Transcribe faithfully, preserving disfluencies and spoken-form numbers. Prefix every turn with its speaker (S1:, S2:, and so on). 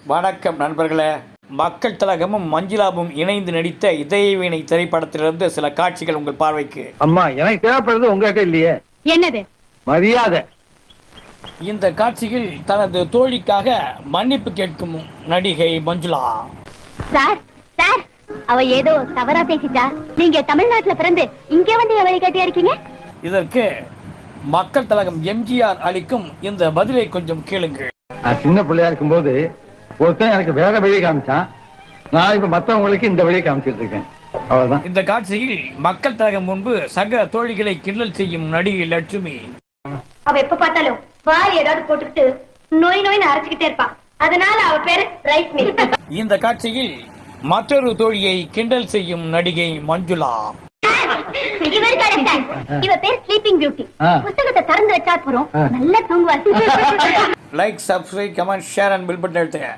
S1: வணக்கம் நண்பர்களே. மக்கள் திலகமும் மஞ்சுளாவும் இணைந்து நடித்த இதயவீணை திரைப்படத்திலிருந்து சில காட்சிகள் உங்கள் பார்வைக்கு.
S2: அம்மா, எனக்கு தேவைப்படுறது உங்ககிட்ட இல்லையே.
S3: என்னது?
S2: மரியாதை.
S1: இந்த காட்சியில் தனது தோழிக்காக மன்னிப்பு கேட்கும் நடிகை மஞ்சுளா.
S3: சார் சார் அவ ஏதோ தவறா பேசிட்டா. நீங்க தமிழ்நாட்டுல பிறந்து இங்க வந்து எவரை கேட்டியா இருக்கீங்க?
S1: இதற்கு மக்கள் திலகம் எம்ஜிஆர் அளிக்கும் இந்த பதிலை கொஞ்சம் கேளுங்கள்.
S2: நான் சின்ன பிள்ளையா இருக்கும் போது ஒருத்தன் எனக்கு வேற வழியை காமிச்சான். நான் இப்ப மத்தவங்களுக்கு இந்த வழியை காமிச்சிட்டு இருக்கேன். அவ்வளவுதான்.
S1: இந்த காட்சியில் மக்கள் திலகம் முன்பு சக தோழிகளை கிண்டல் செய்யும் நடிகை லட்சுமி.
S3: அவ எப்ப பார்த்தாலும் வாரி ஏதாவது போட்டுக்கிட்டு நோய் நோய்னு அரைச்சுக்கிட்டே இருப்பான். அதனால அவ பேரு ரைஸ் மில்.
S1: இந்த காட்சியில் மற்றொரு தோழியை கிண்டல் செய்யும் நடிகை மஞ்சுளா.
S3: இவர் கரெக்ட். இவ பேர் ஸ்லீப்பிங் பியூட்டி. புத்தகத்தை திறந்து வச்சா போறோம், நல்லா தூங்குவார்.
S1: Like, subscribe, comment, share and bell button அழுத்துங்க.